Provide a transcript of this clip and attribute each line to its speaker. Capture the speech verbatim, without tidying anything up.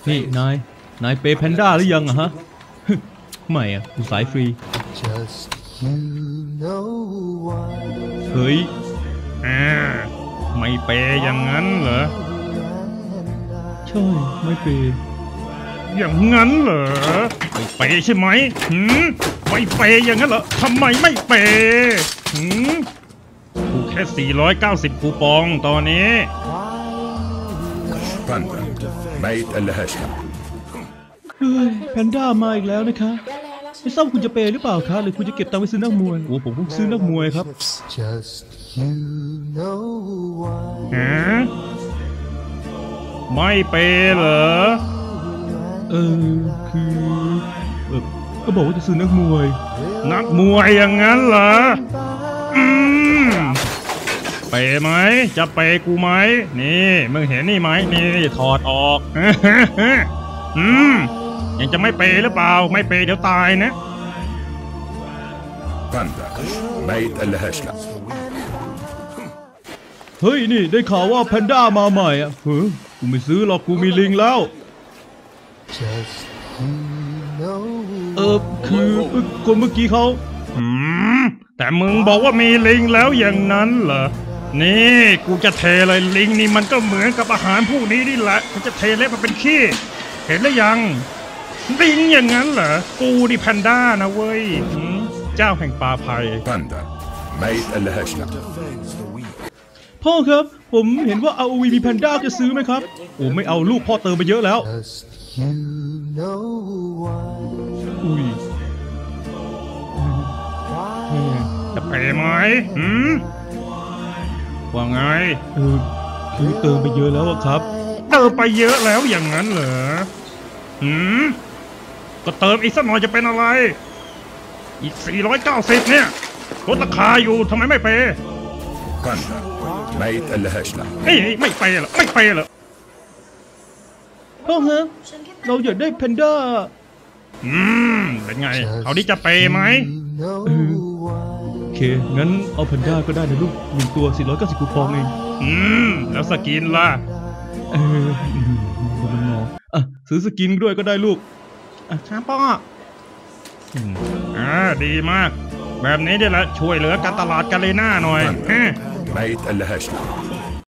Speaker 1: นี่นายนายเปย์แพนด้าหรือยังอะฮะไม่อะกูสายฟรีเฮ้ยอ่าไม่เปย์อย่างนั้นเหรอใช่ไม่เปย์อย่างนั้นเหรอไม่เปย์ใช่ไหมหืมไม่เปย์อย่างนั้นเหรอทำไมไม่เปย์หืมกูแค่สี่ร้อยเก้าสิบคูปองตอนนี้
Speaker 2: ไม่อัลลาฮัช
Speaker 1: เฮ้ยแพนด้ามาอีกแล้วนะคะไม่ทราบคุณจะเปย์หรือเปล่าคะหรือคุณจะเก็บตังค์ไปซื้อนักมวยโอ้ผมเพิ่งซื้อนักมวยครับฮะไม่เปย์เหรอเออคือเออก็บอกว่าจะซื้อนักมวยนักมวยอย่างนั้นเหรออืมเปย์ไหมจะเปย์กูไหมนี่มึงเห็นนี่ไหมนี่ถอดออกอืมยังจะไม่เปย์หรือเปล่าไม่เปย์เดี๋ยวตายนะไม่อัลลาฮัชเฮ้ยนี่ได้ข่าวว่าแพนด้ามาใหม่อ่ะเฮ้ยกูไม่ซื้อหรอกกูมีลิงแล้วเออคือคนเมื่อกี้เขาอืมแต่มึงบอกว่ามีลิงแล้วอย่างนั้นเหรอนี่กูจะเทเลยลิงนี่มันก็เหมือนกับอาหารพวกนี้นี่แหละกูจะเทเละมาเป็นขี้เห็นหรือยังลิงอย่างนั้นเหรอกูนี่แพนด้านะเว้ยเจ้าแห่งป่าไผ่ไม่อัลลาฮัชพ่อครับผมเห็นว่า อาร์ โอ วี มีแพนด้าจะซื้อไหมครับโอ้ไม่เอาลูกพ่อเติมไปเยอะแล้วอุ้ยจะไปไหมหืมว่าไงเออคือเติมไปเยอะแล้วครับเติมไปเยอะแล้วอย่างนั้นเหรอหืมก็เติมอีกสักหน่อยจะเป็นอะไรอีกสี่ร้อยเก้าสิบเนี่ยลดราคาอยู่ทำไมไม่เปย์ไม่อัลลาฮัชนะเอ้ยไม่เปย์เหรอไม่เปย์เหรอพ่อฮะเราอยากได้แพนด้าอืมเป็นไงเขาดีจะเปย์ไหมโอเคงั้นเอาแพนด้าก็ได้นะลูกหนึ่งตัวสี่ร้อยเก้าสิบคูปองเองอืมแล้วสกินล่ะเออมันงออ่ะซื้อสกินด้วยก็ได้ลูกอ่ะครับพ่ออ่าดีมากแบบนี้เดี๋ยวละช่วยเหลือการตลาดกาเลน่าหน่อยไม่อัลลาฮัช